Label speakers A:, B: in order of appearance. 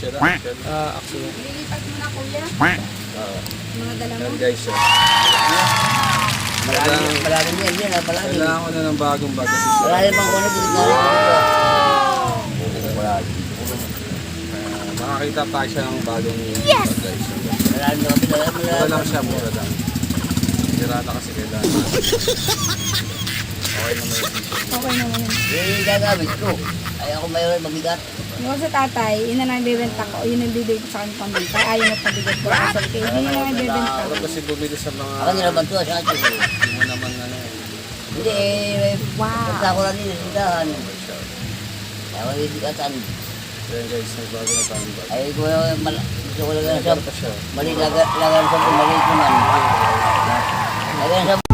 A: Axel.
B: Axel.
C: Lilipat mo na kuya. Mga dala mo.
A: Yan guys.
D: Malalim yan, yan ha, malalim.
A: Kailangan ko na ng bagong bag.
D: Malalim ang kuno, dito na rin.
A: Makakita pa siya ng bagong bag guys.
D: Malalim na kapila,
A: Mura lang siya, mura lang. Pirata kasi kailangan. Okay naman yung t-shirt.
C: Okay naman yun.
D: Yun yung gagamit ko. Ay ako mayroon mabigat.
C: Yung sa tatay, yun na lang ibibenta ko. Yun ang bibig ko sa kanya pambenta. Ayaw na pabigat ko. Okay, yun na lang ibibenta ko.
A: Ako kasi bumili sa mga...
D: Ako nilaban to, sa akin.
A: Hindi mo naman ano.
D: Hindi eh,
C: Wow.
D: punta ko lang din sa tindahan. Kaya ako ibigatan.
A: Yan guys, nagbago na tayong bag.
D: Ay ko gusto ko lang sa
A: Nagbago pa siya.
D: mali lagan sa mali ko man. Lagan sa